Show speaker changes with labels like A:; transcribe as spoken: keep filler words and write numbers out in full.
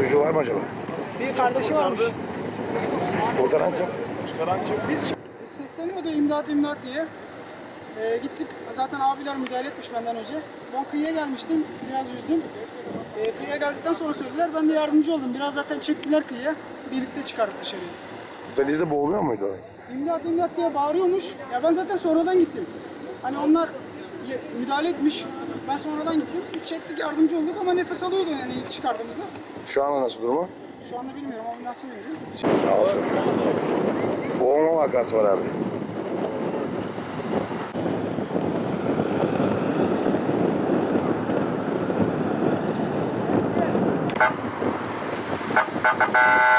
A: çocuğu var mı acaba?
B: Bir kardeşi varmış.
A: Kurtaran kim?
B: Biz sesleniyordu imdat imdat diye. Ee, gittik. Zaten abiler müdahale etmiş benden önce. Ben kıyıya gelmiştim. Biraz yüzdüm. Ee, kıyıya geldikten sonra söylediler. Ben de yardımcı oldum. Biraz zaten çektiler kıyıya. Birlikte çıkardık dışarıya.
A: Denizde boğuluyor muydu?
B: İmdat imdat diye bağırıyormuş. Ya ben zaten sonradan gittim. Hani onlar ye- müdahale etmiş. Ben sonradan gittim. Çektik, yardımcı olduk ama nefes alıyordu yani ilk çıkardığımızda.
A: Şu anda nasıl durumu?
B: Şu anda bilmiyorum ama nasıl bilmiyorum.
A: Sağ olsun. Boğulma vakası var abi.